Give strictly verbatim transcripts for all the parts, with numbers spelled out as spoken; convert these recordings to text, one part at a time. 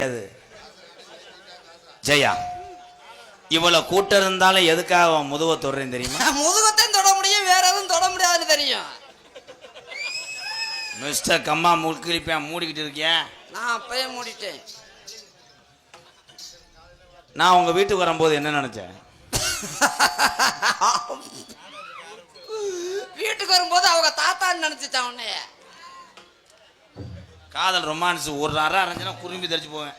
ஜெயா இவ்வளவு கூட்டம் இருந்தாலும் எதுக்காக முதுக தொடுறேன் தெரியுமா? முதுகத்தையும் தொட முடியும், வேற எதுவும் தொட முடியாதுன்னு தெரியும். மிஸ்டர் கம்மா முழுக்கிருப்பேன் மூடிக்கிட்டு இருக்கேன். நான் அப்பயே மூடிட்டேன். நான் உங்க வீட்டுக்கு வரும்போது என்ன நினைச்சேன்? வீட்டுக்கு வரும்போது அவங்க தாத்தான்னு நினைச்சிட்டான் உன்னைய. காதல் ரொமான்ஸ் ஒரு அரை அரைஞ்சுனா குறும்பி தெரிச்சு போவேன்.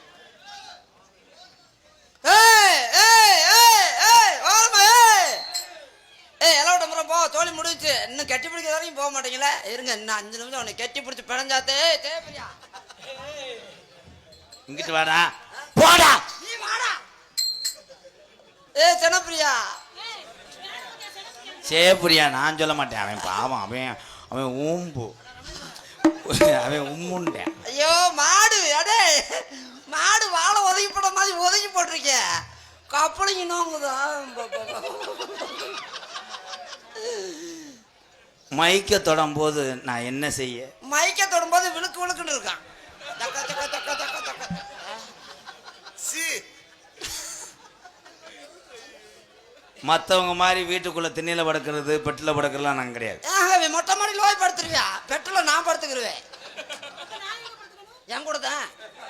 போ தோழி முடிச்சு இன்னும் கட்டி பிடிக்க வரைக்கும் போக மாட்டீங்களா? இருங்க இன்னும் அஞ்சு நிமிஷம் உன்னை கட்டி பிடிச்சி பிணைஞ்சாத்தே தேவையா? இங்கிட்டு வாடா போடா நீ வாடா. ஏ ஜனப்பிரியா சேப்பிரியா நான் சொல்ல மாட்டேன். அவன் பாவம், அவன் அவன் ஊம்பு அவன் உம்முண்டேன். ஐயோ மாடு அடே மாடு வாழை ஒதுக்கி போட மாதிரி ஒதுக்கி போட்டிருக்க கப்பலிங்க நோங்குதான். மைக்க தொடும் போது நான் என்ன செய்ய? மைக்க தொடும் போது விழுக்கு விழுக்குன்னு இருக்கான். மற்றவங்க மாதிரி வீட்டுக்குள்ள திண்ணில படுக்கிறது பெட்டில் படுக்கிறதுலாம் நான் கிடையாது. மொட்டை மாடியில் போய் படுத்துருவியா? பெட்டில் நான் படுத்துக்கிருவேன். என் கூட தான்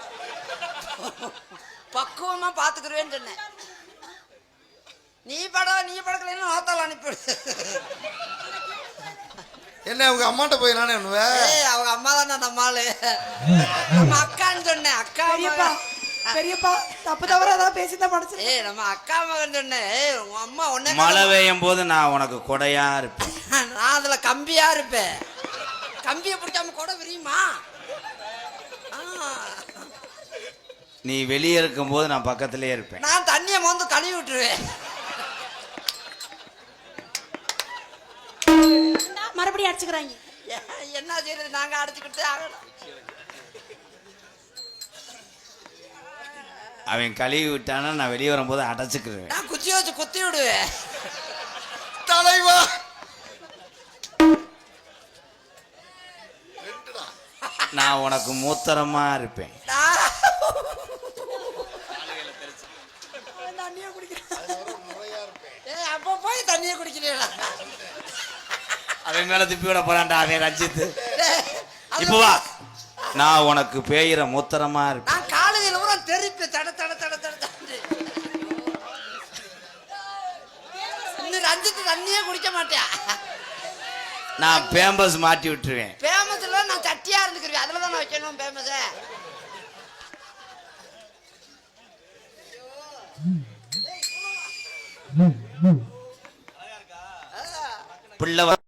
பக்குவமா பாத்துக்கிருவேன்னு சொன்னேன். நீ பட நீ படக்கலன்னு நோத்தால அனுப்பிடு. என்ன அவங்க அம்மாட்ட போய் நானே அவங்க அம்மா தானே நம்ம ஆளு. நம்ம அக்கான்னு சொன்னேன். அக்கா பெரியப்பா தப்பு தவற ஏதாவது பேசிதான் படிச்சு. ஏ நம்ம அக்கா மகன் சொன்னேன். உங்க அம்மா உன்ன மழை பெய்யும் போது நான் உனக்கு கொடையா இருப்பேன். நான் அதுல கம்பியா இருப்பேன். கம்பியை பிடிக்காம கொடை விரியுமா? நீ வெளியே இருக்கும் போது நான் பக்கத்திலே இருப்பேன். நான் தண்ணியை மோந்து கழுவி விட்டுருவேன். மறுபடியும் அடிச்சுக்கிறாங்க. என்ன செய்யறது? நாங்க அடிச்சுக்கிட்டே ஆகணும். அவன் கழுவி விட்டானா நான் வெளியே வரும்போது அடைச்சுக்கிருவேன். நான் குச்சி வச்சு குத்தி விடுவேன். தலைவா நான் உனக்கு மூத்தரமா இருப்பேன். அப்ப போய் தண்ணியை குடிக்கிறீங்களா? அவன் மேல திப்பி விட போறான்டா அவன் ரஞ்சித்து. இப்போ வா, நான் உனக்கு பேயிற மூத்தரமா இருப்பேன். நான் காலையில கூட தெரிப்பி தட தட தட தட இன்னும் ரஞ்சித்து தண்ணியே குடிக்க மாட்டேன். நான் பேம்பஸ் மாட்டி விட்டுருவேன். பேமஸ்ல நான் சட்டியா இருந்துக்கிறேன். அதுல தான் நான் வைக்கணும் பேமஸ. பிள்ளை